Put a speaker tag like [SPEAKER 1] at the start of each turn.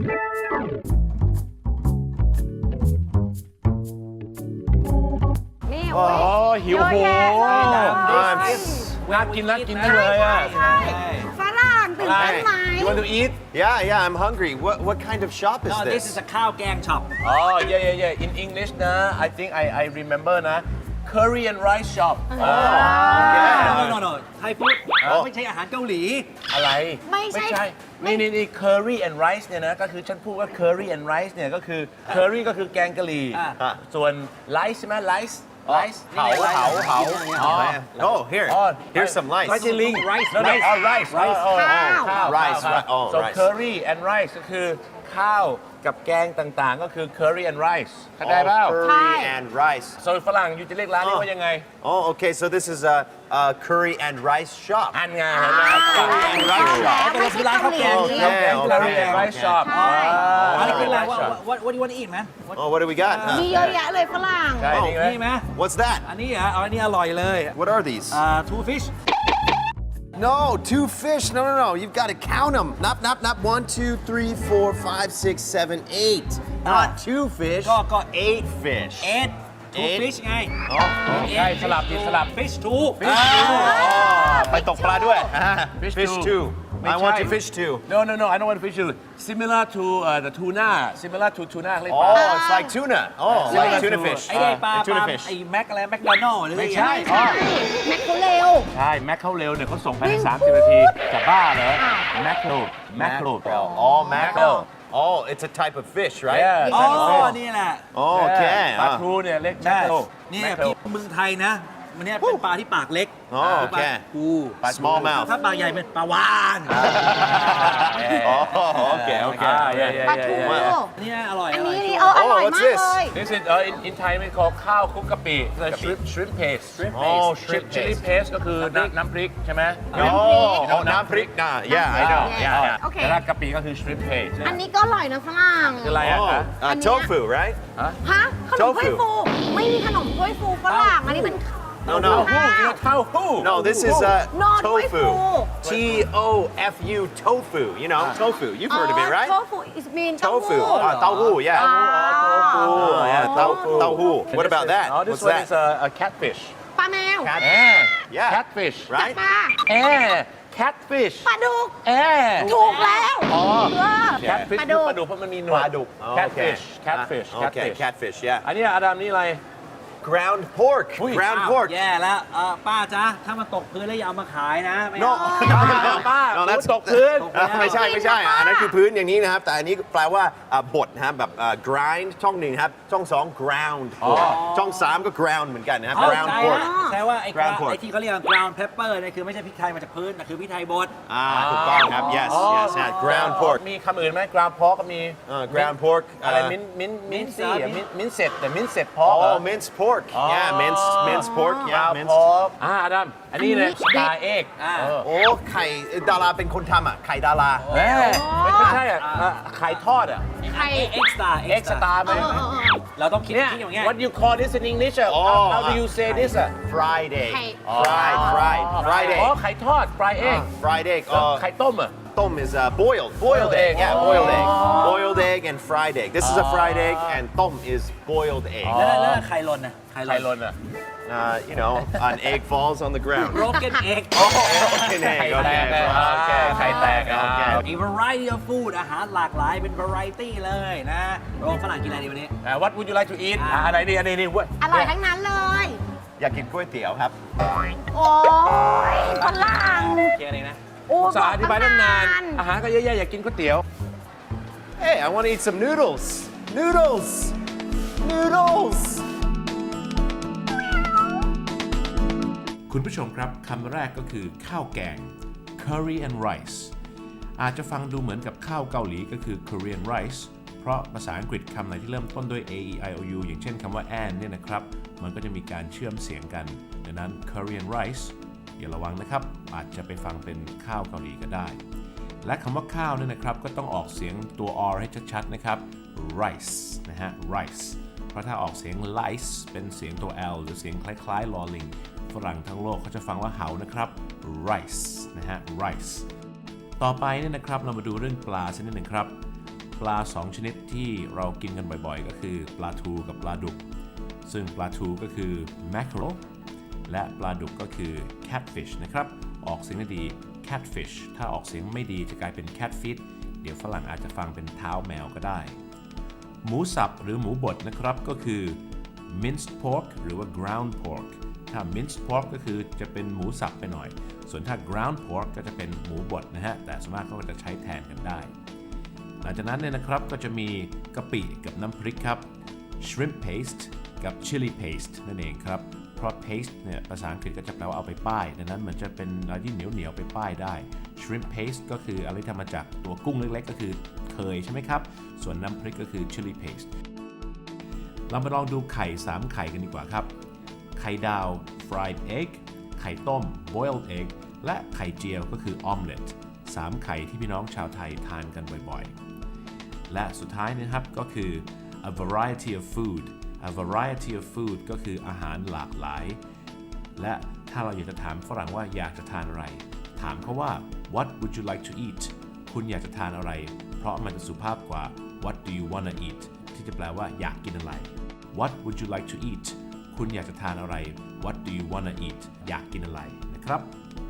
[SPEAKER 1] นี่
[SPEAKER 2] โอ้หิวโหน่ากินจังเลยอ่ะ
[SPEAKER 1] ฝรั่งตื่นเต้นไหม
[SPEAKER 2] You want to eat?
[SPEAKER 3] Yeah, I'm hungry. What kind of shop is
[SPEAKER 4] No, this
[SPEAKER 3] this?
[SPEAKER 4] is a ข้าวแกงช็อป
[SPEAKER 2] Oh, yeah. In English นะ I think I remember นะ Curry and rice shop
[SPEAKER 4] no ไทยฟู้ดไม่ใช่อาหารเกาหลี
[SPEAKER 2] อะไร
[SPEAKER 1] ไม่ใช่
[SPEAKER 2] นี่ curry and rice เนี่ยนะก็คือฉันพูดว่า curry and rice เนี่ยก็คือ curry ก็คือแกงกะหรี่ส่วน rice ใช่ไหม rice
[SPEAKER 3] เหา Oh, here. Here's some rice.
[SPEAKER 2] ไม่ใช่ลิง
[SPEAKER 4] rice
[SPEAKER 2] no rice ข้าว
[SPEAKER 3] Rice, right. Oh,
[SPEAKER 2] so
[SPEAKER 3] rice.
[SPEAKER 2] curry and rice ก็คือข้าวกับแกงต่างๆ ก็คือ curry and rice เข้าใจเปล่า
[SPEAKER 3] Curry and rice.
[SPEAKER 2] so ฝรั่งอยู่จะเรียกร้านนี้ว่ายังไง
[SPEAKER 3] Oh, okay. So this is a curry and rice shop.
[SPEAKER 2] อันไงเห็นไหม
[SPEAKER 3] Curry and rice shop.
[SPEAKER 1] ไม่ใช่เกาหลี
[SPEAKER 2] curry and rice shop
[SPEAKER 4] อะไรกินอะไร what do you want to eat man
[SPEAKER 3] Oh, what do we got?
[SPEAKER 1] มีเยอะแยะเลยฝรั่ง
[SPEAKER 2] ใช่นี่ไหม
[SPEAKER 4] นี่ไหม
[SPEAKER 3] What's that?
[SPEAKER 4] อันนี้เหรออันนี้อร่อยเลย
[SPEAKER 3] What are these?
[SPEAKER 4] two fish
[SPEAKER 3] No, 2 fish. No. You've got to count them. Not 1, 2, 3, 4, 5, 6, 7, 8. Not 2 fish.
[SPEAKER 4] ก็
[SPEAKER 3] 8 fish.
[SPEAKER 4] two fish ไง
[SPEAKER 2] ใช่สลับ
[SPEAKER 4] fish two
[SPEAKER 3] ไปตกปลาด้วย
[SPEAKER 2] Fish two.
[SPEAKER 3] I want to fish too.
[SPEAKER 2] No, I don't want fish too. Similar to the tuna. Similar to tuna เรียก
[SPEAKER 3] Oh, it's like tuna. Oh, like tuna fish.
[SPEAKER 4] ไอ้ปลา
[SPEAKER 3] tuna fish.
[SPEAKER 4] ไอ้แม็กอะไรแม็กโดนัลหรือ
[SPEAKER 2] ไม่ใช่
[SPEAKER 1] แม็กเขาเร็ว
[SPEAKER 2] ใช่ แม็กเข้าเร็วเนี่ยเขาส่งภายใน30 นาทีจะบ้าเหรอ แม็กโคร
[SPEAKER 3] Oh, mackerel. Oh, it's a type of fish, right?
[SPEAKER 2] Yeah.
[SPEAKER 4] อ๋อนี่แหละ
[SPEAKER 3] Oh, okay.
[SPEAKER 2] ปลาทูเนี่ยเรียกแม็กโคร
[SPEAKER 4] เนี่ยที่เมืองไทยนะมันเนี่ยเป็นปลาที่ปากเล็ก
[SPEAKER 3] อ๋อโอเค
[SPEAKER 4] ปู
[SPEAKER 3] Small mouth.
[SPEAKER 4] ถ้าปลาใหญ่เป็นปลาวาน
[SPEAKER 3] Oh, okay.
[SPEAKER 1] ปลาทู
[SPEAKER 4] เนี่ยอร่อย
[SPEAKER 1] อัน
[SPEAKER 4] อร่อย
[SPEAKER 1] นี้อร่อยมากเลย
[SPEAKER 2] This is in Thai ไม่ call ข้าวคลุกกะปิ shrimp paste
[SPEAKER 3] Oh, shrimp
[SPEAKER 2] chili
[SPEAKER 3] paste.
[SPEAKER 2] paste ก็คือน้ำพริกใช่ไหม
[SPEAKER 3] Oh, น้ำพริกนะ Yeah, I know. Yeah.
[SPEAKER 1] โอเค
[SPEAKER 2] แต่ถ้ากะปิก็คือ shrimp paste
[SPEAKER 1] อันนี้ก็อร่อยนะฝรั่ง
[SPEAKER 2] คืออะไรอ่ะ
[SPEAKER 3] Oh, tofu, right?
[SPEAKER 1] ฮะขนมถ้วยฟู ไม่มีขนมถ้วยฟูฝรั่ง อันนี้เป็น
[SPEAKER 3] No.
[SPEAKER 2] เต้าหู้
[SPEAKER 3] No, this is
[SPEAKER 1] No,
[SPEAKER 3] tofu.
[SPEAKER 1] tofu.
[SPEAKER 3] T-O-F-U, tofu. You know, tofu. You've heard of it, right?
[SPEAKER 1] โทฟู is mean
[SPEAKER 3] Tofu. Tauhu, yeah. Oh, yeah, tauhu. What about that?
[SPEAKER 2] Oh, this
[SPEAKER 3] What's
[SPEAKER 2] one
[SPEAKER 3] that?
[SPEAKER 2] is a catfish
[SPEAKER 1] ปลาแมว
[SPEAKER 3] Yeah.
[SPEAKER 2] catfish
[SPEAKER 1] ปลา
[SPEAKER 3] Right?
[SPEAKER 2] catfish
[SPEAKER 1] ปลาดุก
[SPEAKER 2] ถูก
[SPEAKER 1] แล้ว
[SPEAKER 2] catfish
[SPEAKER 1] ปลาดุก
[SPEAKER 2] ปลาดุกเพราะมันมีหนวด catfish
[SPEAKER 3] Okay, catfish, yeah.
[SPEAKER 2] อันนี้อดัมนี่อะไร
[SPEAKER 3] Ground pork. Ground
[SPEAKER 4] อ้าว
[SPEAKER 3] pork.
[SPEAKER 4] แย่แล้วป้าจ๊ะถ้ามันตกพื้นแล้วอย่าเอามาขายนะไม่
[SPEAKER 3] No.
[SPEAKER 2] ป้า
[SPEAKER 3] No, that's
[SPEAKER 2] ตกพื้น
[SPEAKER 3] ไม่ใช่อันนั้นคือพื้นอย่างนี้นะครับ แต่อันนี้แปลว่าบดนะครับแบบ grind ช่องหนึ่งครับช่องสอง ground pork ช่องสามก็ ground เหมือนกันนะครับ ground
[SPEAKER 4] ใช่
[SPEAKER 3] pork
[SPEAKER 4] แช่ว่าไอ้
[SPEAKER 3] ground pork
[SPEAKER 4] ที่เขาเรียก ground pepper เนี่ยคือไม่ใช่พริกไทยมาจากพื้นแต่คือพริกไทยบด
[SPEAKER 3] ถูกต้องครับ yes ground pork
[SPEAKER 2] มีคำอื่นไหม ground pork ก็มี
[SPEAKER 3] ground pork
[SPEAKER 2] อะไรมิ้นซี่มิ้นเสร็จแต่มิ้นเสร็จ pork เหรอ
[SPEAKER 3] minced pork yeah minced pork yeah
[SPEAKER 2] ground
[SPEAKER 3] minced
[SPEAKER 2] pork อดัมอันนี้เนี่ย star egg
[SPEAKER 3] โอ้ไข่ดาราเป็นคนทำไข่ดารา
[SPEAKER 2] ไม่ใช่ไข่ทอด
[SPEAKER 1] ไข่
[SPEAKER 4] extra
[SPEAKER 2] egg star ไหม
[SPEAKER 4] เราต้องคิด
[SPEAKER 2] เนี่ย
[SPEAKER 4] อย่างเงี้ย
[SPEAKER 2] what you call this in English how do you say this
[SPEAKER 3] fried egg
[SPEAKER 1] ไข่
[SPEAKER 3] fried egg
[SPEAKER 2] อ๋อไข่ทอด fry egg
[SPEAKER 3] fried egg
[SPEAKER 2] ไข่ต้ม
[SPEAKER 3] ต้ม is boiled egg yeah boiled egg and fried egg this is a fried egg and ต้ม is boiled egg
[SPEAKER 4] แล้วไข่ลนนะ
[SPEAKER 2] ไข่ลน
[SPEAKER 3] you know an egg falls on the ground
[SPEAKER 4] broken egg
[SPEAKER 3] broken egg
[SPEAKER 2] ไข่แตก
[SPEAKER 3] okay
[SPEAKER 2] ไข่แตก
[SPEAKER 4] a variety of food อาหารหลากหลายเป็น variety เลยนะโรงฝรั่งกินอะไรดีวันนี้
[SPEAKER 2] What would you like to eat อะไรดีอันนี้
[SPEAKER 1] อร่อยทั้งนั้นเลย
[SPEAKER 3] อยากกินก๋วยเตี๋ยวครับ
[SPEAKER 1] โอ้ยฝรั่ง
[SPEAKER 4] เกี่ยอะไรนะ
[SPEAKER 1] โอ้
[SPEAKER 2] สาอธิบายตั้งนานอาหารก็เยอะแยะอยากกินก๋วยเตี๋ยว
[SPEAKER 3] Hey I want to eat some noodles
[SPEAKER 5] คุณผู้ชมครับคำแรกก็คือข้าวแกง curry and rice อาจจะฟังดูเหมือนกับข้าวเกาหลีก็คือ Korean rice เพราะภาษาอังกฤษคำไหนที่เริ่มต้นด้วย a e i o u อย่างเช่นคำว่า and เนี่ยนะครับมันก็จะมีการเชื่อมเสียงกันดังนั้น Korean rice อย่าระวังนะครับอาจจะไปฟังเป็นข้าวเกาหลีก็ได้และคำว่าข้าวเนี่ยนะครับก็ต้องออกเสียงตัว r ให้ชัดๆนะครับ rice นะฮะ rice เพราะถ้าออกเสียง lice เป็นเสียงตัว l หรือเสียงคล้ายๆลอลิงฝรั่งทั้งโลกเขาจะฟังว่าเหานะครับ rice นะฮะ rice ต่อไปเนี่ยนะครับเรามาดูเรื่องปลาสักนิดหนึ่งครับปลา 2 ชนิดที่เรากินกันบ่อยๆ ก็คือปลาทูกับปลาดุกซึ่งปลาทูก็คือ mackerel และปลาดุกก็คือ catfish นะครับออกเสียงดี catfish ถ้าออกเสียงไม่ดีจะกลายเป็น catfish เดี๋ยวฝรั่งอาจจะฟังเป็นเท้าแมวก็ได้หมูสับหรือหมูบดนะครับก็คือ minced pork หรือว่า ground pork ถ้า minced pork ก็คือจะเป็นหมูสับไปหน่อยส่วนถ้า ground pork ก็จะเป็นหมูบดนะฮะแต่ส่วนมากก็จะใช้แทนกันได้หลังจากนั้นเนี่ยนะครับก็จะมีกะปิกับน้ำพริกครับ shrimp paste กับ chili paste นั่นเองครับเพราะ paste เนี่ยภาษาอังกฤษก็จะแปลว่าเอาไปป้ายดังนั้นมันจะเป็นอะไรที่เหนียวๆไปป้ายได้ shrimp paste ก็คืออะไรที่ทำมาจากตัวกุ้งเล็กๆก็คือเคยใช่ไหมครับส่วนน้ำพริกก็คือ chili paste เรามาลองดูไข่3ไข่กันดีกว่าครับไข่ดาว fried egg ไข่ต้ม boiled egg และไข่เจียวก็คือ omelette 3 ไข่ที่พี่น้องชาวไทยทานกันบ่อยๆและสุดท้ายนะครับก็คือ a variety of food a variety of food ก็คืออาหารหลากหลายและถ้าเราอยากจะถามฝรั่งว่าอยากจะทานอะไรถามเขาว่า what would you like to eat คุณอยากจะทานอะไรเพราะมันจะสุภาพกว่า what do you wanna eat ที่จะแปลว่าอยากกินอะไร what would you like to eat คุณอยากจะทานอะไร what do you wanna eat อยากกินอะไรนะครับ